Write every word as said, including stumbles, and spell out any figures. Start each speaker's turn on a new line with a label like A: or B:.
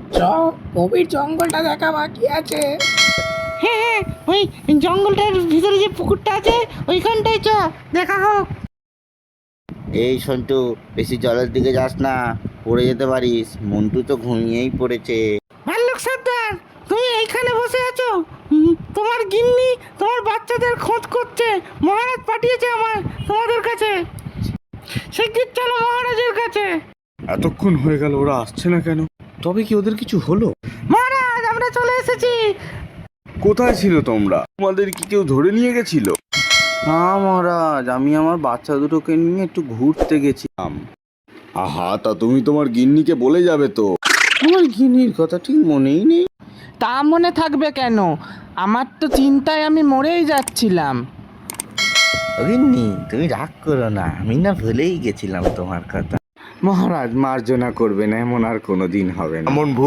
A: চ গভীর জঙ্গলটা দেখা বাকি আছে।
B: হ্যাঁ হ্যাঁ, ওই জঙ্গলটার ভিতরে যে পুকুরটা আছে ওইখানটাই চ, দেখা হোক।
C: এই সন্টু, বেশি জলের দিকে যাস না, পড়ে যেতে পারিস। মন্টু তো ঘুমিয়েই পড়েছে।
B: ভাল্লুক সর্দার, তুমি এইখানে বসে আছো? হুম, তোমার গিন্নি তোমার বাচ্চাদের খোঁজ করছে। মহারাজ পাঠিয়েছে আমার তোমাদের কাছে। শিগগির চলো মহারাজের কাছে।
D: এতক্ষণ হয়ে গেল, ওরা আসছে না কেন? তবে কি ওদের কিছু হলো?
B: মহারাজ, আমরা চলে এসেছি।
D: কোথায় ছিল তোমরা? তোমাদের কি কেউ ধরে নিয়ে গেছিল?
C: না মহারাজ, আমি আমার বাচ্চা দুটোকে নিয়ে একটু ঘুরতে গেছিলাম।
D: আহা, তা তুমি তোমার গিন্নিকে বলে যাবে তো।
C: আমার গিন্নির কথা ঠিক মনেই নেই।
B: তা মনে থাকবে কেন? আমার তো চিন্তায় আমি মরেই যাচ্ছিলাম।
C: গিন্নি, তুমি রাগ করো না, আমি না ভুলেই গেছিলাম তোমার কথা।
D: মহারাজ মার্জনা করবেন, এমন আর কোনো দিন হবে না। এমন